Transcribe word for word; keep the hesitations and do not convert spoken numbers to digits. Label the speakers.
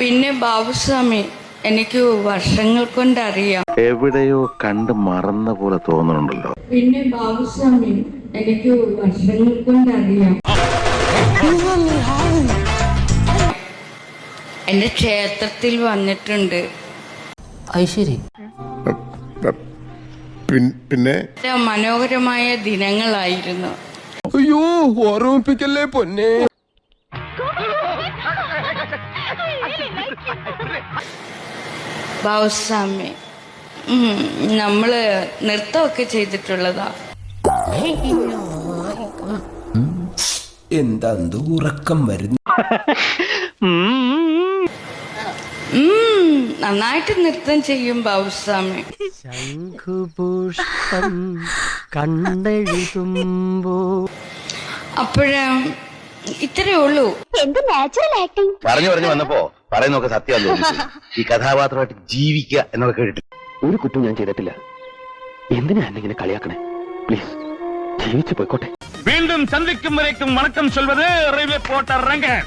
Speaker 1: പിന്നെ ബാബുസ്വാമി എനിക്ക് വർഷങ്ങൾ കൊണ്ടറിയാം.
Speaker 2: എവിടെയോ കണ്ട് മറന്ന പോലെ തോന്നുന്നുണ്ടല്ലോ.
Speaker 1: പിന്നെ ബാബുസ്വാമി എനിക്ക് വർഷങ്ങൾ കൊണ്ടറിയാം. എന്റെ ക്ഷേത്രത്തിൽ വന്നിട്ടുണ്ട്.
Speaker 3: ഐശ്വരി
Speaker 4: പിന്നെ
Speaker 1: മനോഹരമായ ദിനങ്ങളായിരുന്നു.
Speaker 4: അയ്യോ ഓർമ്മിപ്പിക്കല്ലേ പൊന്നെ.
Speaker 1: ബാബുസ്വാമി നമ്മള് നൃത്തമൊക്കെ ചെയ്തിട്ടുള്ളതാ.
Speaker 5: എന്താ ഉറക്കം വരുന്നു?
Speaker 1: നന്നായിട്ട് നൃത്തം ചെയ്യും ബാബുസ്വാമി.
Speaker 3: ശംഖുപുഷ്പം കണ്ടെഴുതുമ്പോ
Speaker 1: അപ്പോഴേ ഇത്രയേ ഉള്ളൂ.
Speaker 2: പറഞ്ഞു പറഞ്ഞു വന്നപ്പോ പറയുന്നൊക്കെ സത്യം തോന്നുന്നു. ഈ കഥാപാത്രമായിട്ട് ജീവിക്കുക എന്നൊക്കെ കേട്ടിട്ട് ഒരു കുറ്റം ഞാൻ ചെയ്തിട്ടില്ല. എന്തിനാ എന്നെ കളിയാക്കണേ? പ്ലീസ് ജീവിച്ചു പോയിക്കോട്ടെ.
Speaker 6: വീണ്ടും സന്ധിക്കും വരയ്ക്കും വണക്കം ചൊൽവത് റെയിൽവേ പോർട്ടർ രംഗൻ.